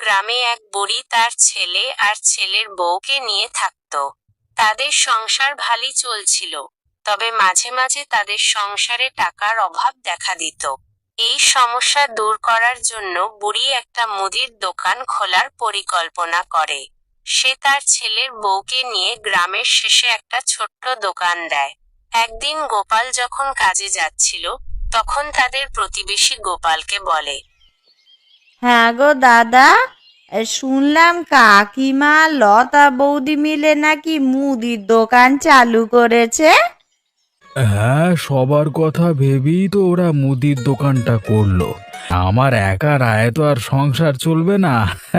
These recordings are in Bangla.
গ্রামে এক বুড়ি তার ছেলে আর ছেলের বউকে নিয়ে থাকত। তাদের সংসার ভালোই চলছিল, তবে মাঝে মাঝে তাদের সংসারে টাকার অভাব দেখা দিত। এই সমস্যা দূর করার জন্য বুড়ি একটা মুদির দোকান খোলার পরিকল্পনা করে। সে তার ছেলের বউকে নিয়ে গ্রামের শেষে একটা ছোট্ট দোকান দেয়। একদিন গোপাল যখন কাজে যাচ্ছিল, তখন তাদের প্রতিবেশী গোপালকে বলে, হ্যাঁ গো দাদা, শুনলাম কাকিমা লতা বৌদি মিলে নাকি মুদির দোকান চালু করেছে। হ্যাঁ, সবার কথা ভেবেই তো ওরা মুদির দোকানটা করলো। আমার একার আয় তো আর সংসার চলবে না।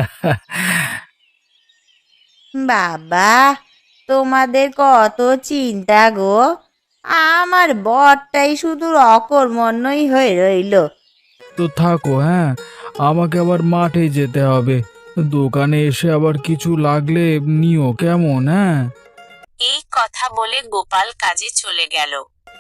বাবা, তোমাদের কত চিন্তা গো। আমার বরটাই শুধু অকর্মণ্যই হয়ে রইল। তো থাকো, হ্যাঁ, আমাকে আবার মাঠে যেতে হবে। দোকানে এসে আবার কিছু লাগলে নিও, কেমন? হ্যাঁ। এই কথা বলে গোপাল কাজে চলে গেল।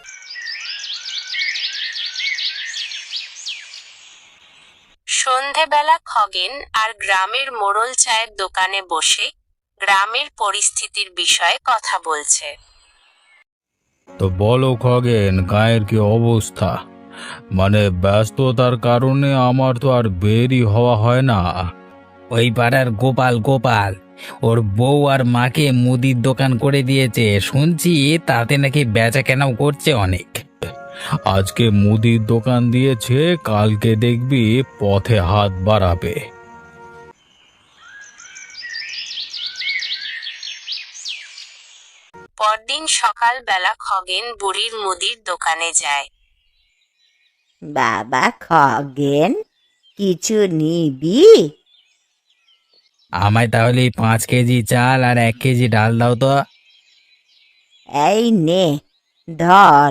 সন্ধেবেলা খগেন আর গ্রামের মোড়ল চায়ের দোকানে বসে গ্রামের পরিস্থিতির বিষয়ে কথা বলছে। তো বলো খগেন, গায়ের কি অবস্থা? মানে ব্যস্ততার কারণে আমার তো আর বেরই হওয়া হয় না। ওই পাড়ার গোপাল গোপাল ওর বউ আর মাকে মুদির দোকান করে দিয়েছে শুনছি, তাতে নাকি বেচা কেনাও করছে অনেক। আজকে মুদির দোকান দিয়েছে, কালকে দেখবি পথে হাত বাড়াবে। পরদিন সকালবেলা খগেন বুড়ির মুদির দোকানে যায়। বাবা খগেন, কিছু নিবি? আমায় তাহলে 5 কেজি চাল আর 1 কেজি ডাল দাও তো। এই নে, ধর।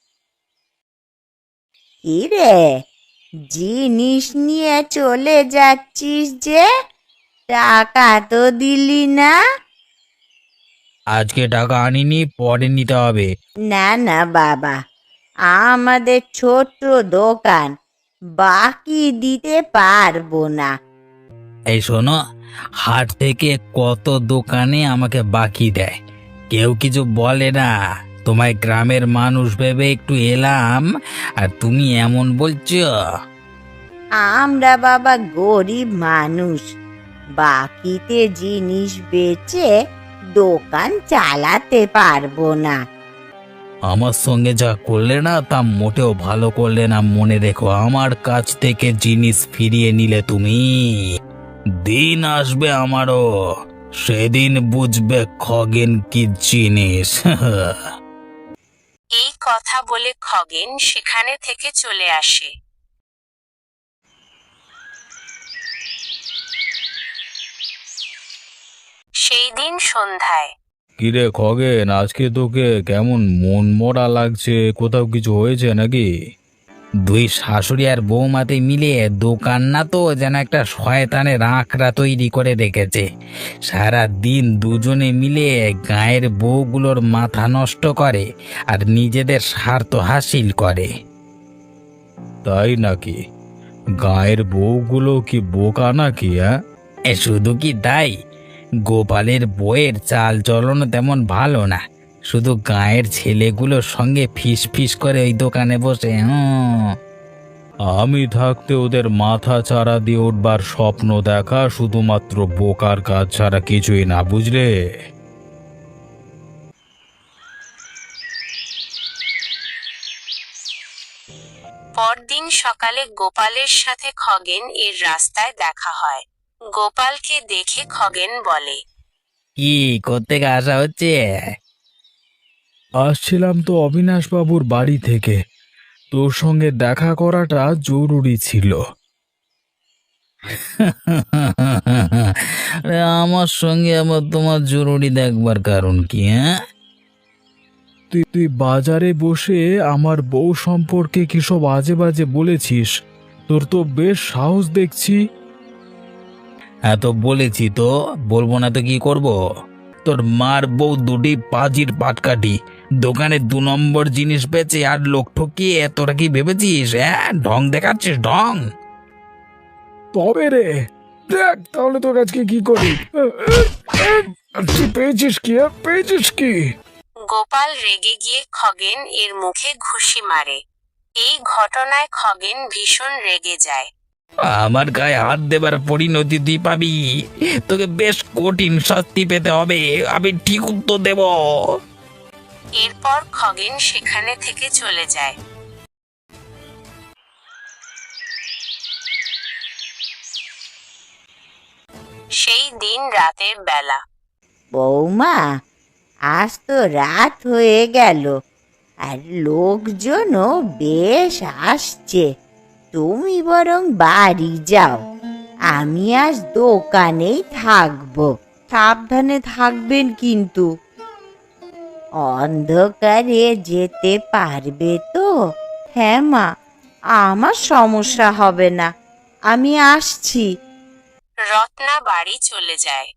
কি রে, জিনিস নিয়ে চলে যাচ্ছিস যে, টাকা তো দিলি না? আজকে টাকা আনিনি, পরে নিতে হবে। না না বাবা, আমাদের ছোট্ট দোকান, বাকি দিতে পারবো না। এই শোনো, হাট থেকে কত দোকানে আমাকে বাকি দেয়, কেউ কিছু বলে না। তোমায় গ্রামের মানুষ ভেবে একটু এলাম, আর তুমি এমন বলছো। আমরা বাবা গরিব মানুষ, বাকিতে জিনিস বেচে দোকান চালাতে পারবো না। আমার সঙ্গে যা করলে না, তা মোটেও ভালো করলে না। মনে রেখো, আমার কাছ থেকে জিনিস ফিরিয়ে নিলে তুমি, দিন আসবে আমারও, সেদিন বুঝবে খগেন কি জিনিস। এই কথা বলে খগেন সেখানে থেকে চলে আসে। সেই দিন সন্ধ্যায় কিরে খগেন, আজকে তোকে কেমন মন মরা লাগছে? কোথাও কিছু হয়েছে নাকি? দুই শাশুড়ি আর বৌমাতে মিলে দোকান না তো যেন একটা শয়তানের আঁকড়া তৈরি করে রেখেছে। সারা দিন দুজনে মিলে গায়ের বউগুলোর মাথা নষ্ট করে আর নিজেদের স্বার্থ হাসিল করে। তাই নাকি? গায়ের বউগুলো কি বোকা নাকি? হ্যাঁ, শুধু কি তাই, গোপালের বইয়ের চাল চলন তেমন ভালো না, শুধু গায়ের ছেলেগুলোর সঙ্গে ফিস ফিস করে ওই দোকানে বসে। আমি থাকতে ওদের মাথা চারা দিয়ে উঠবার স্বপ্ন দেখা শুধুমাত্র বোকার কাজ ছাড়া কিছুই না, বুঝলে? পরদিন সকালে গোপালের সাথে খগেন এর রাস্তায় দেখা হয়। গোপালকে দেখে খগেন বলে, কি করতে আসা হচ্ছে? আসছিলাম তো অবিনাশ বাবুর বাড়ি থেকে, তোর সঙ্গে দেখা করাটা জরুরি ছিল। আরে, আমার সঙ্গে আবার তোমার জরুরি দেখবার কারণ কি? হ্যাঁ, তুই তুই বাজারে বসে আমার বউ সম্পর্কে কিসব আজে বাজে বলেছিস। তোর তো বেশ সাহস দেখছি। হ্যাঁ তো বলেছি তো, বলবো না তো কি করব? তোর মার বউ দুটি পাজির পাটকাঠি, দোকানে 2 নম্বর জিনিস বেচে আর লোক ঠকিয়ে তোরা কি ভেবেছিস? হ্যাঁ, ঢং দেখাচ্ছিস ঢং। তবে রে, দেখ তাহলে তোর আজকে কি করি। তুই পেয়েছিস কি? পেয়েছিস কি? গোপাল রেগে গিয়ে খগেন এর মুখে ঘুষি মারে। এই ঘটনায় খগেন ভীষণ রেগে যায়। আমার গায়ে হাত দেবার পরিণতি তুই পাবি। তোকে বেশ কঠিন শাস্তি পেতে হবে, আমি ঠিক উত্তর দেব। এরপর খগেন সেখানে থেকে চলে যায়। সেই দিন রাতের বেলা। বৌমা, আজ তো রাত হয়ে গেল আর লোকজনও বেশ আসছে। তুমি বরং বাড়ি যাও, আমি আজ দোকানেই থাকবো। সাবধানে থাকবেন কিন্তু। অন্ধকারে যেতে পারবে তো? হ্যাঁ মা, আমার সমস্যা হবে না, আমি আসছি। রত্না বাড়ি চলে যায়।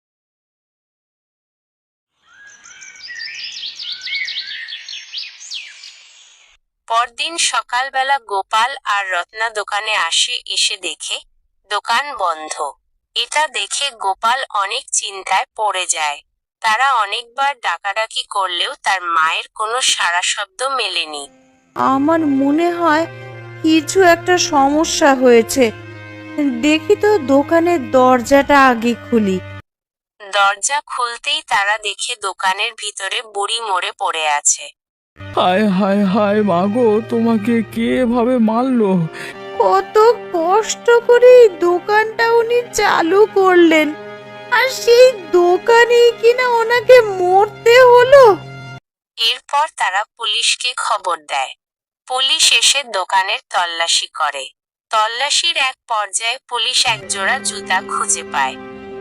পরদিন সকালবেলা গোপাল আর রত্না দোকানে আসে। এসে দেখে দোকান বন্ধ। এটা দেখে গোপাল অনেক চিন্তায় পড়ে যায়। তারা অনেকবার ডাকাডাকি করলেও তার মায়ের কোনো সাড়া শব্দ মেলেনি। আমার মনে হয় কিছু একটা সমস্যা হয়েছে। দেখি তো দোকানের দরজাটা আগে খুলি। দরজা খুলতেই তারা দেখে দোকানের ভিতরে বুড়ি মরে পড়ে আছে। হায় হায় হায় মাগো, তোমাকে কে এভাবে মারলো? কত কষ্ট করে এই দোকানটা উনি চালু করলেন, আর সেই দোকানেই কিনা ওনাকে মরতে হলো। এরপর তারা পুলিশকে খবর দেয়। পুলিশ এসে দোকানের তল্লাশি করে। তল্লাশির এক পর্যায়ে পুলিশ এক জোড়া জুতা খুঁজে পায়।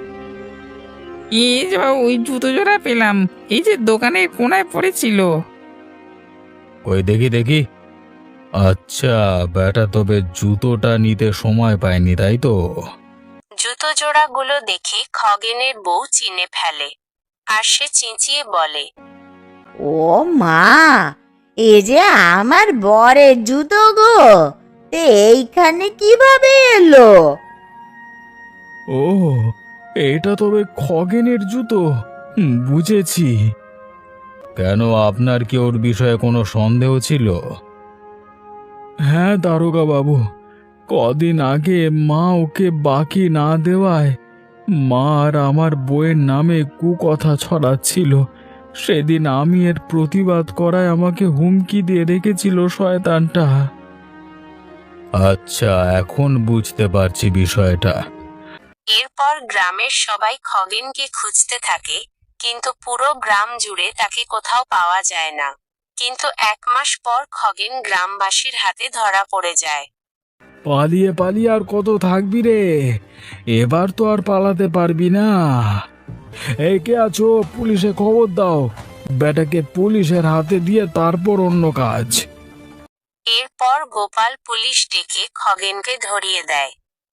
এই যে বাবু, ওই জুতো জোড়া পেলাম, এই যে দোকানের কোনায় পড়েছিল। ওই দেখি দেখি। আচ্ছা, বেটা তবে জুতোটা নিতে সময় পায়নি, তাই তো? জুতো জোড়াগুলো দেখে খগেনের বউ চিনে ফেলে, আর সে চেঁচিয়ে বলে, ও মা, এ যে আমার বরের জুতো গো, তে এইখানে কিভাবে এলো? ও, এটা তবে খগেনের জুতো। বুঝেছি। কেন, আপনার কি ওর বিষয়ে কোনো সন্দেহ ছিল? হ্যাঁ দারোগা বাবু, কদিন আগে মা ওকে বাকি না দেওয়ায় মা আর আমার বউয়ের নামে কুকথা ছড়াচ্ছিল। সেদিন আমি এর প্রতিবাদ করায় আমাকে হুমকি দিয়ে রেখেছিল শয়তানটা। আচ্ছা, এখন বুঝতে পারছি বিষয়টা। এরপর গ্রামের সবাই খগেনকে খুঁজতে থাকে, কিন্তু পুরো গ্রাম জুড়ে তাকে কোথাও পাওয়া যায় না। কিন্তু 1 মাস পর খগেন গ্রামবাসীর হাতে ধরা পড়ে যায়। পালিয়ে পালিয়ে আর কত থাকবি রে? এবার তো আর পালাতে পারবি না। এই কে আছো, পুলিশে খবর দাও। বেটাকে পুলিশের হাতে দিয়ে তারপর অন্য কাজ। এরপর গোপাল পুলিশ ডেকে খগেনকে ধরিয়ে দেয়।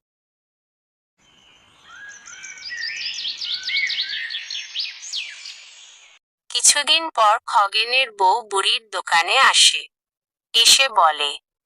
কিছুদিন পর খগেনের বউ বুড়ির দোকানে আসে। এসে বলে,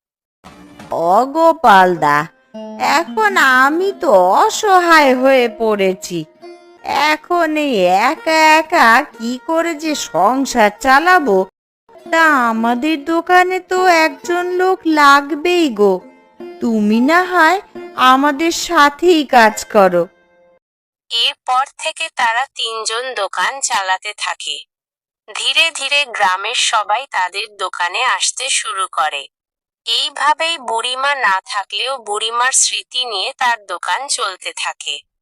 অগোপালদা, এখন আমি তো অসহায় হয়ে পড়েছি। এখন এই একা একা কি করে যে সংসার চালাবো, তা আমাদের দোকানে তো একজন লোক লাগবেই গো। তুমি না হয় আমাদের সাথেই কাজ করো। এরপর থেকে তারা 3 জন দোকান চালাতে থাকে। ধীরে ধীরে গ্রামের সবাই তাদের দোকানে আসতে শুরু করে। এইভাবেই বুড়িমা না থাকলেও বুড়িমার স্মৃতি নিয়ে তার দোকান চলতে থাকে।